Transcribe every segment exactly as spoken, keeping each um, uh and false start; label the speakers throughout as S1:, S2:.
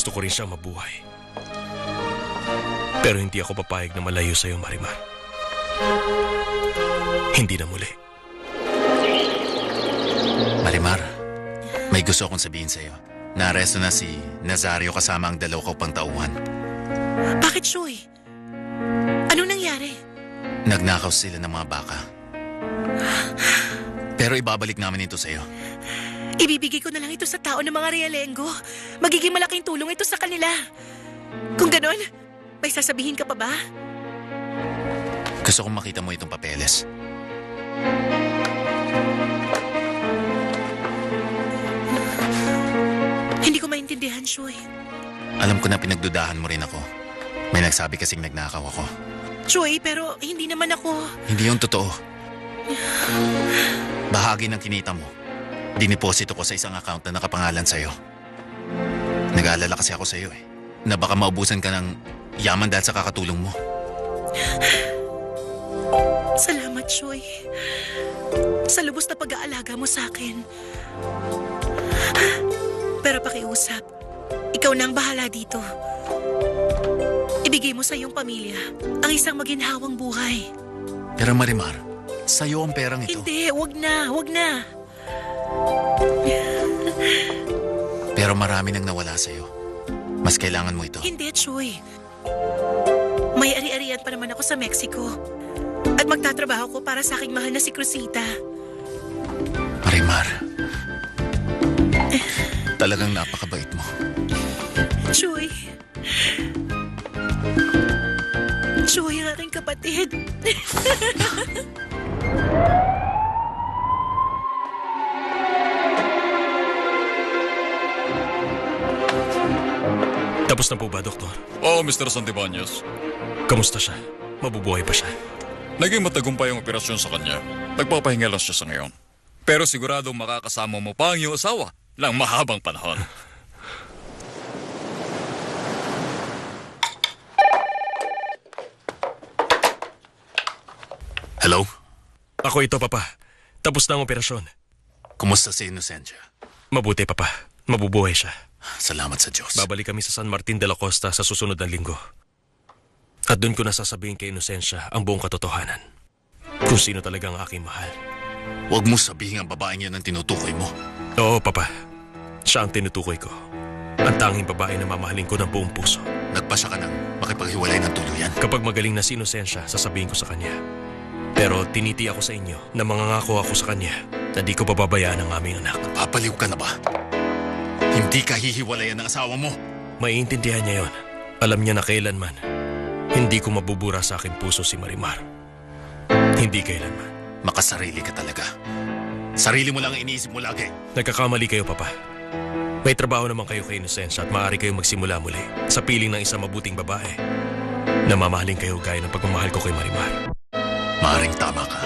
S1: gusto ko rin siyang mabuhay. Pero hindi ako papayag na malayo sa'yo, Marimar. Hindi na muli.
S2: Marimar, may gusto akong sabihin sa'yo. Naaresto na si Nazario kasama ang dalaw ko pang tauhan.
S3: Bakit, Shoy? Anong nangyari?
S2: Nagnakaw sila ng mga baka. Pero ibabalik namin ito sa'yo.
S3: Ibibigay ko na lang ito sa tao ng mga realenggo. Magiging malaking tulong ito sa kanila. Kung ganon, may sasabihin ka pa ba?
S2: Gusto kong makita mo itong papeles.
S3: Hindi ko maintindihan, Shoy.
S2: Alam ko na pinagdudahan mo rin ako. May nagsabi kasing nagnakaw ako.
S3: Shoy, pero hindi naman ako...
S2: Hindi yung totoo. Bahagi ng kinita mo, diniposito ko sa isang account na nakapangalan sa'yo. Nag-aalala kasi ako sa'yo eh, na baka maubusan ka ng yaman dahil sa kakatulong mo.
S3: Salamat, Shoy. Sa lubos na pag-aalaga mo sa akin. Pero pakiusap, ikaw na ang bahala dito. Ibigay mo sa iyong pamilya ang isang maginhawang buhay.
S2: Pero Marimar, sa'yo ang perang ito.
S3: Hindi, wag na, wag na.
S2: Pero marami nang nawala sa'yo. Mas kailangan mo ito.
S3: Hindi, Choy. May ari-arian pa naman ako sa Mexico. At magtatrabaho ko para sa aking mahal na si Cruzita.
S2: Marimar, talagang napakabait mo.
S3: Choy. Choy, ang aking kapatid.
S1: Tapos na po ba, Doktor?
S4: Oo, Mister Santibanez.
S1: Kamusta siya? Mabubuhay pa siya?
S4: Naging matagumpay ang operasyon sa kanya. Nagpapahinga lang siya sa ngayon. Pero siguradong makakasama mo pa ang iyong asawa ng mahabang panahon.
S2: Hello?
S1: Ako ito, Papa. Tapos na ang operasyon.
S2: Kumusta si Inocencia?
S1: Mabuti, Papa. Mabubuhay siya.
S2: Salamat sa Diyos.
S1: Babalik kami sa San Martin de la Costa sa susunod na linggo. At doon ko nasasabihin kay Inocencia ang buong katotohanan. Kung sino talaga ang aking mahal.
S2: Huwag mo sabihin ang babaeng yan ang tinutukoy mo.
S1: Oo, Papa. Siya ang tinutukoy ko. Ang tanging babae na mamahalin ko ng buong puso.
S2: Nagpasya ka nang makipaghiwalay ng tuluyan.
S1: Kapag magaling na si Inocencia, sasabihin ko sa kanya. Pero tiniti ako sa inyo na mangangako ako sa kanya na di ko pababayaan ang aming anak.
S2: Papaliw ka na ba? Hindi ka hihiwalayan ng asawa mo.
S1: Maiintindihan niya yon. Alam niya na kailanman hindi ko mabubura sa aking puso si Marimar. Hindi kailanman.
S2: Makasarili ka talaga. Sarili mo lang ang iniisip mo lagi.
S1: Nagkakamali kayo, Papa. May trabaho naman kayo kay Inocencia at maaari kayong magsimula muli sa piling ng isang mabuting babae na mamahalin kayo gaya ng pagmamahal ko kay Marimar.
S2: Maaring tama ka.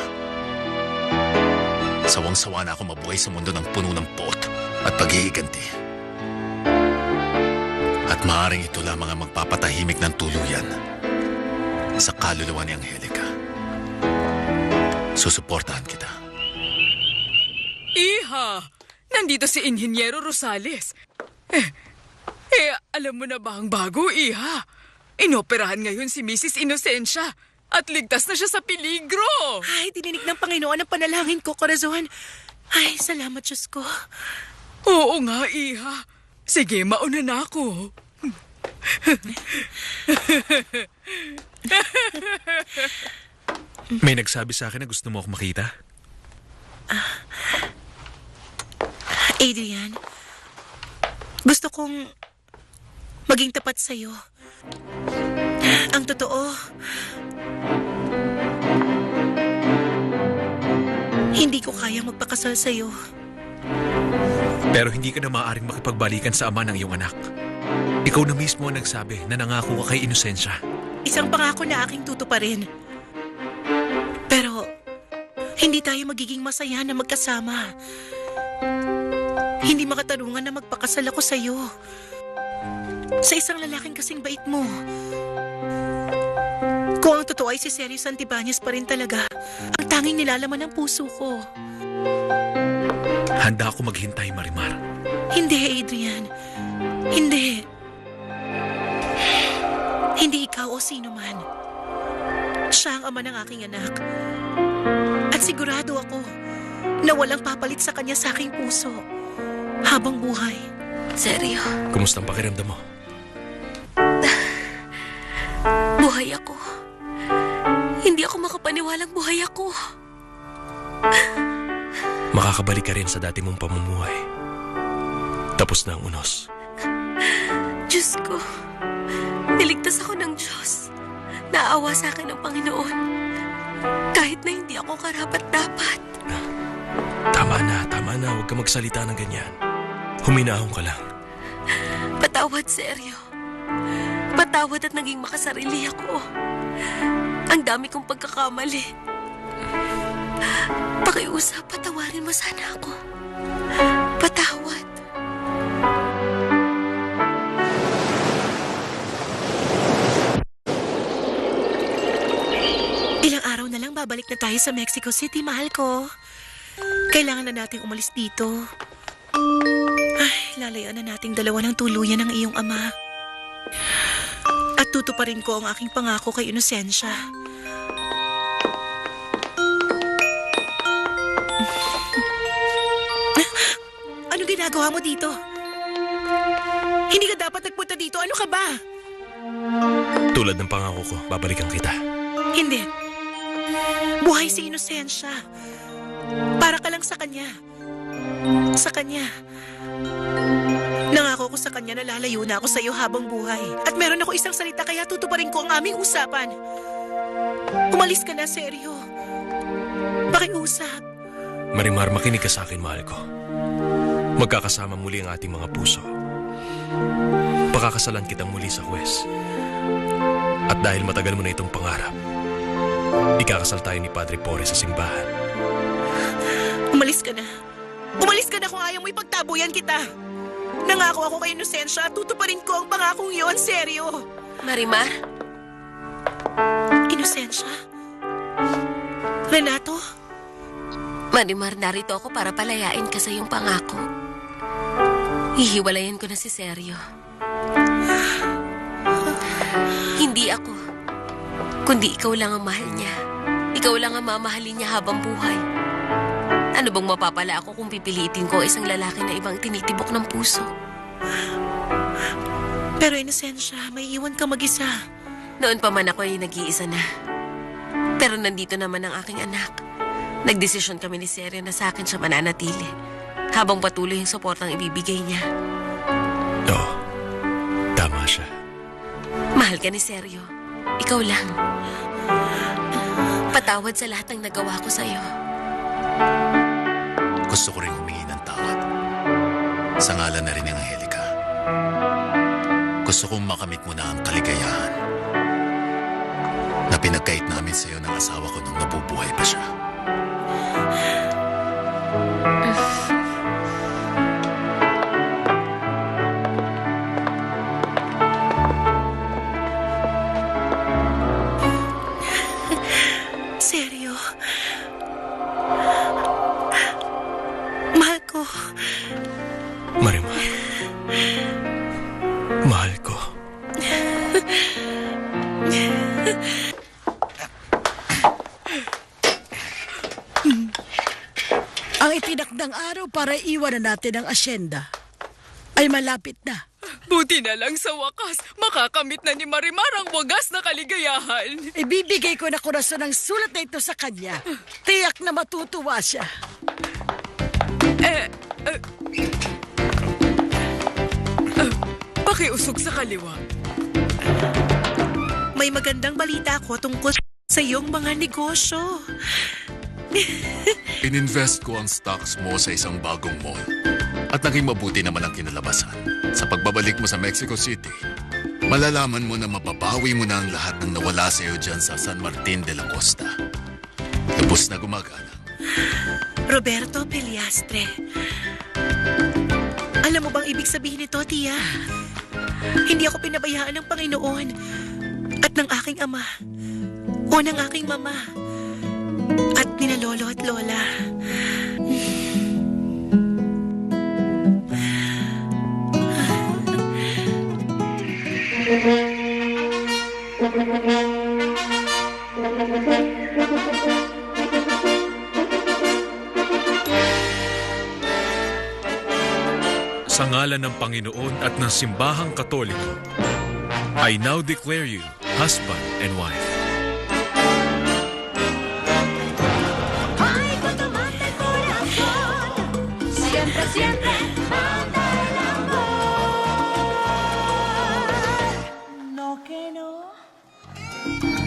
S2: Sawang-sawa na ako mabuhay sa mundo ng puno ng pot at pag-iiganti. At maaring ito lamang ang magpapatahimik ng tuluyan sa kaluluwa ni Angelica. Susuportahan kita.
S5: Iha! Nandito si Inhinyero Rosales. Eh, eh, alam mo na ba ang bago, Iha? Inoperahan ngayon si Missus Inocencia at ligtas na siya sa peligro.
S3: Ay, dininig ng Panginoon ang panalangin ko, Corazon. Ay, salamat, Diyos ko.
S5: Oo nga, Iha. Sige, mauna na ako.
S6: May nagsabi sa akin na gusto mo ako makita?
S3: Uh, Adrian, gusto kong maging tapat sa'yo. Ang totoo, hindi ko kayang magpakasal sa'yo.
S6: Pero hindi ka na maaaring makipagbalikan sa ama ng iyong anak. Ikaw na mismo ang nagsabi na nangako ka kay Inocencia.
S3: Isang pangako na aking tutuparin. Pero, hindi tayo magiging masaya na magkasama. Hindi makatarungan na magpakasal ako sa'yo. Sa isang lalaking kasing bait mo. Kung ang totoo ay si Sergio Santibanez pa rin talaga, ang tanging nilalaman ng puso ko.
S6: Handa ako maghintay, Marimar.
S3: Hindi, Adrian. Hindi. Hindi ikaw o sino man. Siya ang ama ng aking anak. At sigurado ako na walang papalit sa kanya sa aking puso habang buhay.
S7: Seryo,
S1: Kumusta ang pakiramdam mo?
S7: buhay ako. Hindi ako makapaniwalang buhay ako.
S1: Makakabalik ka rin sa dati mong pamumuhay. Tapos na ang unos.
S7: Diyos ko, niligtas ako ng Diyos. Naawa sa akin ng Panginoon. Kahit na hindi ako karapat-dapat.
S1: Tama na, tama na. Huwag ka magsalita ng ganyan. Huminahon ka lang.
S7: Patawad, seryo. Patawad at naging makasarili ako. Ang dami kong pagkakamali. Pakiusap, patawarin mo sana ako. Patawad.
S3: Ilang araw na lang babalik na tayo sa Mexico City, mahal ko. Kailangan na nating umalis dito. Ay, lalayaan na nating dalawa ng tuluyan ng iyong ama. At tutuparin ko ang aking pangako kay Inosensya. Ano ginagawa mo dito? Hindi ka dapat nagpunta dito. Ano ka ba?
S1: Tulad ng pangako ko, babalikan kita.
S3: Hindi. Buhay si Inosensya. Para ka lang sa kanya. Sa kanya. Nangako ko sa kanya na lalayo na ako sa iyo habang buhay. At meron ako isang salita kaya tutuparin ko ang aming usapan. Umalis ka na, seryo. Pakiusap.
S1: Marimar, makinig ka sa akin, mahal ko. Magkakasama muli ang ating mga puso. Pakakasalan kitang muli sa kwes. At dahil matagal mo na itong pangarap, ikakasal tayo ni Padre Porre sa simbahan.
S3: Umalis ka na. Umalis ka na kung ayaw mo ipagtabuyan kita. Nangako ako kay Inosensya at tutuparin ko ang pangakong iyon, seryo.
S7: Marimar,
S3: Inosensya? Renato?
S7: Marimar, narito ako para palayain ka sa iyong pangako. Hihiwalayan ko na si Seryo. Hindi ako, kundi ikaw lang ang mahal niya. Ikaw lang ang mamahalin niya habang buhay. Ano bang mapapala ako kung pipilitin ko isang lalaki na ibang tinitibok ng puso?
S3: Pero Inosensya, may iwan ka mag-isa.
S7: Noon pa man ako ay nag-iisa na. Pero nandito naman ang aking anak. Nagdesisyon kami ni Seryo na sa akin siya mananatili habang patuloy yung suportang ibibigay niya.
S1: Oo, tama siya.
S7: Mahal ka ni Seryo. Ikaw lang. Patawad sa lahat ng nagawa ko sa'yo.
S2: Gusto ko rin humingi ng tawad. Sa ngalan na rin ng Angelica. Gusto kong makamit mo na ang kaligayahan na pinagkait namin sa'yo ng asawa ko nung nabubuhay pa siya.
S3: Seryo? Mahal ko.
S1: Marimar, mahal ko.
S8: Ang itinakdang araw para iwanan natin ang asyenda ay malapit na.
S5: Buti na lang sa wakas, makakamit na ni Marimar ang wagas na kaligayahan.
S8: Ibibigay ko na korason ang sulat na ito sa kanya. Tiyak na matutuwa siya.
S5: Eh, eh, eh, pakiusog sa kaliwa.
S3: May magandang balita ako tungkol sa iyong mga negosyo.
S2: Ininvest ko ang stocks mo sa isang bagong mall. At naging mabuti naman ang kinalabasan. Sa pagbabalik mo sa Mexico City, malalaman mo na mababawi mo na ang lahat ng nawala sa iyo dyan sa San Martin de la Costa. Lubos na gumagana.
S3: Roberto Pillastre. Alam mo bang ibig sabihin nito, Tia? Hindi ako pinabayaan ng Panginoon at ng aking ama o ng aking mama at nina lolo at lola.
S6: Sa ngalan ng Panginoon at ng Simbahang Katoliko, I now declare you husband and wife.
S9: Ay, cuando mata el corazón, siempre, siempre mata el amor. No que no.